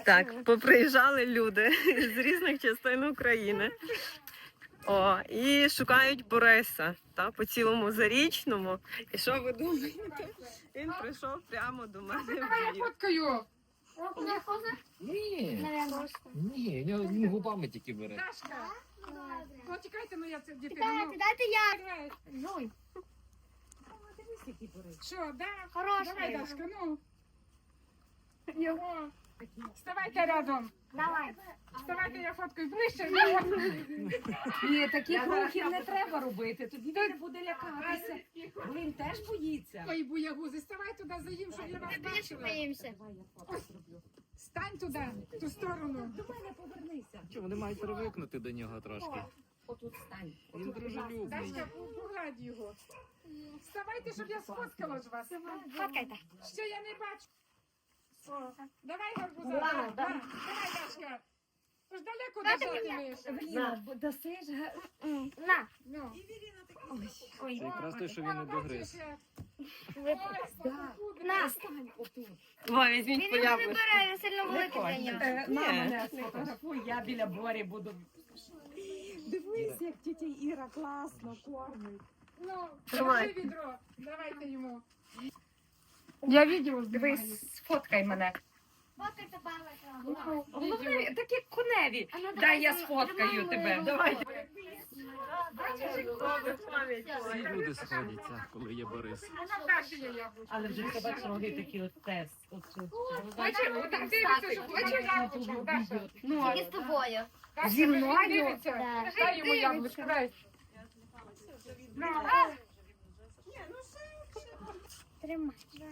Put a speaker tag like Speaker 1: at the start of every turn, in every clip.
Speaker 1: Так, поприїжджали люди з різних частин України. І шукають Бориса по цілому Зарічному. І що ви думаєте? Він прийшов прямо до мене в Львів.
Speaker 2: Фоткаю.
Speaker 3: Ні, він губами тільки бере.
Speaker 2: Дашка. Ну, тікайте, ну я це дітей.
Speaker 4: Дайте я.
Speaker 2: Жуй. Що, да?
Speaker 4: Хороший.
Speaker 2: Давай, Дашка, ну. Його. Вставайте рядом.
Speaker 4: Давай.
Speaker 2: Вставайте, я фоткаю ближче.
Speaker 5: Ні, таких рухів не треба робити, тоді він не буде лякатися. Бо він теж боїться.
Speaker 2: Ой, буягузи, ставай туди за їм, щоб я вас бачила.
Speaker 4: Боїмося.
Speaker 2: Стань туди, в ту сторону.
Speaker 5: До мене повернися.
Speaker 3: Чому вони мають привикнути до нього трошки?
Speaker 5: Отут стань.
Speaker 3: Він дружелюбний.
Speaker 2: Дашка, погладь його. Вставайте, щоб я сфоткала ж вас.
Speaker 4: Фоткайте.
Speaker 2: Ще я не бачу. О, давай, гарбуза. Давай, Дашка. Тож далеко дожатимеш.
Speaker 5: Евеліна, досиш?
Speaker 4: На.
Speaker 2: Ну.
Speaker 3: Це якраз те, що він не догриз.
Speaker 4: На.
Speaker 5: Стань отут.
Speaker 1: Візьміть
Speaker 4: Він
Speaker 1: по
Speaker 4: його не
Speaker 1: яблуку.
Speaker 4: бере, він сильно великий для нього.
Speaker 5: На мене сфотографуй, я біля Борі буду. Дивись, як тітя Іра класно кормить.
Speaker 2: Ну,
Speaker 1: Тримай.
Speaker 2: держи відро. Давайте йому. Я відео знімаю.
Speaker 5: Дивись, сфоткай мене.
Speaker 4: Фоткайте бабу.
Speaker 5: Головне, такі коневі. Дай я сфоткаю тебе. Давай.
Speaker 3: Всі люди сходяться, коли є Борис.
Speaker 2: Даші є яблучко.
Speaker 5: Але вже тебе роги такі от тест.
Speaker 2: Бачиш, отак дивиться, що хоче яблучко. Даша.
Speaker 5: Ну,
Speaker 4: Тільки з тобою.
Speaker 2: Даша,
Speaker 5: Зі мною?
Speaker 2: він дивиться.
Speaker 4: Да.
Speaker 2: Дай йому яблучко, дай. Ну,
Speaker 4: Тримай.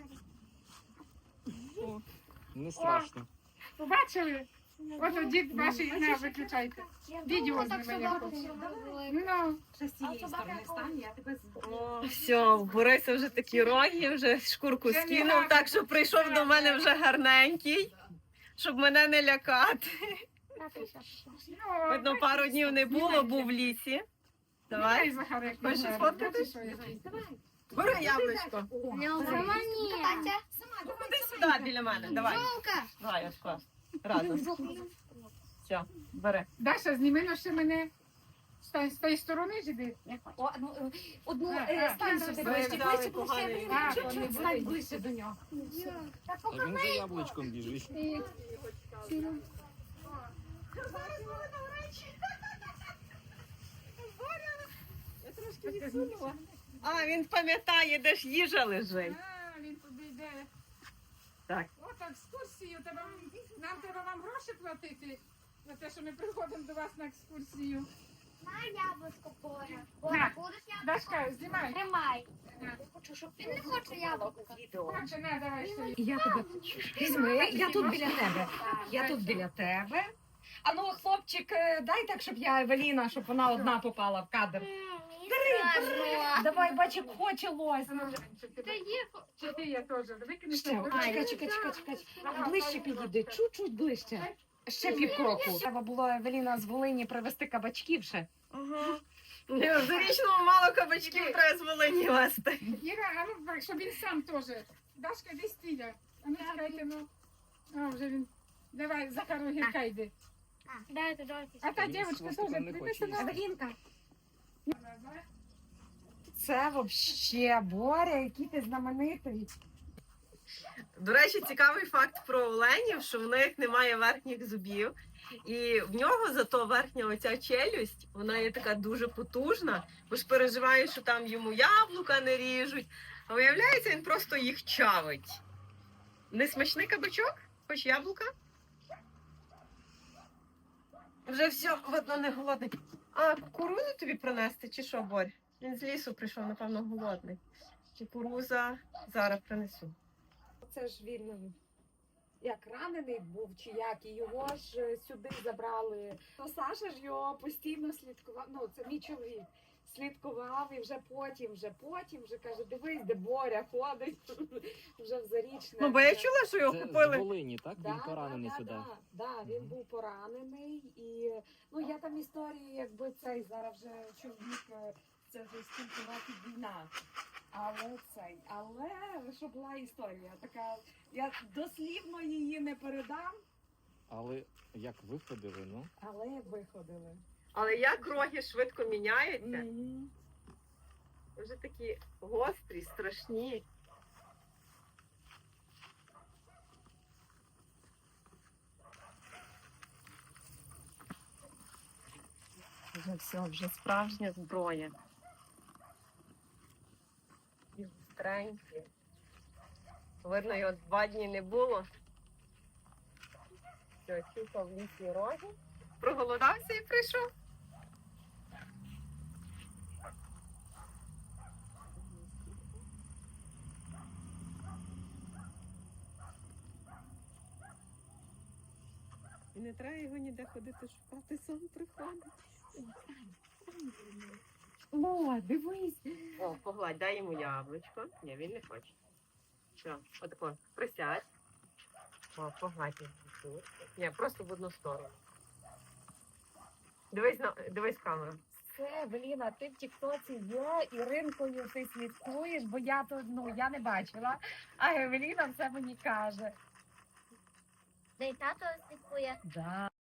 Speaker 3: Не страшно.
Speaker 2: побачили? Ось дід ваші не виключайте. Відео знімає якось. Ну,
Speaker 5: Ще з цієї сторони стань, я тебе
Speaker 1: Все, в Бориса вже такі роги, вже шкурку
Speaker 2: Це не
Speaker 1: скинув,
Speaker 2: гарно.
Speaker 1: так що прийшов до мене вже гарненький, щоб мене не лякати.
Speaker 2: ну.
Speaker 1: Видно, пару днів не було, був в лісі.
Speaker 2: Давай,
Speaker 1: Давай,
Speaker 2: Захарик.
Speaker 1: Хочеш сфоткатись? бери яблучко.
Speaker 4: Сама ні. Катя.
Speaker 1: Ходи сюди біля мене, давай.
Speaker 4: Жовка.
Speaker 1: Давай, ось клас. Разом. Все, бери.
Speaker 2: Даша, зніми на ще мене. Стань з тієї сторони жиди.
Speaker 5: одну
Speaker 2: Так,
Speaker 5: стань
Speaker 2: так,
Speaker 5: сюди
Speaker 2: так,
Speaker 5: ближче,
Speaker 1: так,
Speaker 5: ближче,
Speaker 1: поганий.
Speaker 5: ближче.
Speaker 2: Так,
Speaker 5: Чуть-чуть стань ближче до нього.
Speaker 3: А він за яблучком біжить.
Speaker 1: А, він пам'ятає, де ж їжа лежить.
Speaker 2: А, він туди йде.
Speaker 1: Так.
Speaker 2: От екскурсію. Нам треба вам гроші платити за те, що ми приходимо до вас на екскурсію.
Speaker 4: На яблучко Боря.
Speaker 2: На.
Speaker 4: Боря, будеш яблуко?
Speaker 2: Дашка, знімай.
Speaker 4: Тримай.
Speaker 2: На.
Speaker 4: Він не хоче яблуко.
Speaker 2: Хоче, на, давай ще.
Speaker 5: І я тебе візьми, я тут біля тебе. Я тут біля тебе. А ну, хлопчик, дай так, щоб я Евеліна, щоб вона одна попала в кадр.
Speaker 4: Страшно.
Speaker 5: Давай, бачик, хоче лось.
Speaker 4: Ти є.
Speaker 2: Чи ти є теж? Викинеш?
Speaker 5: Ще, чекай. Ближче підійди, чуть-чуть ближче. Ще півкроку. Треба було Евеліна з Волині привезти кабачків ще.
Speaker 1: Ага. В Зарічному мало кабачків треба з Волині вести.
Speaker 2: Іра, а ну, так, щоб він сам теж. Дашка, десь стіля. А ну, чекайте, ну. А, вже він. Давай, Захару гірка йди.
Speaker 4: Дайте.
Speaker 2: А та
Speaker 3: Він
Speaker 2: дівчинка
Speaker 3: свого
Speaker 2: теж
Speaker 3: не
Speaker 2: прийди
Speaker 3: хоче
Speaker 2: сюди.
Speaker 3: їсти.
Speaker 5: Евелінка. Це вообще, Боря, який ти знаменитий.
Speaker 1: До речі, цікавий факт про оленів, що в них немає верхніх зубів. І в нього зато верхня оця челюсть, вона є така дуже потужна, бо ж переживає, що там йому яблука не ріжуть. А виявляється, він просто їх чавить. Не смачний кабачок? Хоч яблука? Вже все, видно, не голодний. А кукурудзу тобі принести, чи що, Борь? Він з лісу прийшов, напевно, голодний. Кукуруза зараз принесу.
Speaker 5: Це ж він як ранений був, чи як, і його ж сюди забрали. То Саша ж його постійно слідкував, ну це мій чоловік, слідкував і вже потім вже каже, дивись, де Боря ходить, вже в Зарічне.
Speaker 1: Ну, бо я чула, що його
Speaker 3: Це з
Speaker 1: купили.
Speaker 3: Волині, так? Він поранений сюди.
Speaker 5: Да, він
Speaker 3: Мгм.
Speaker 5: був поранений і ну я там історії, якби цей зараз вже чоловік, це вже скільки років війна. Але що була історія така, я дослівно її не передам,
Speaker 3: Але як виходили, ну?
Speaker 5: Але виходили.
Speaker 1: Але як роги швидко міняються,
Speaker 5: Мгм.
Speaker 1: вже такі гострі, страшні. Вже все, вже справжня зброя. І гостренькі. Видно, його 2 дні не було. Все, чухав в лісі роги. Проголодався і прийшов. І не треба його ніде ходити шукати, сам приходить.
Speaker 5: О, дивись.
Speaker 1: О, погладь, дай йому яблучко. Ні, він не хоче. Що, отако, присядь. О, погладь його тут. Ні, просто в одну сторону. Дивись в камеру.
Speaker 5: Це, Евеліна, ти в Тіктоці є, Іринкою ти слідкуєш, бо я то, я не бачила, а Евеліна все мені каже.
Speaker 4: Де й тато слідкує.
Speaker 5: Да.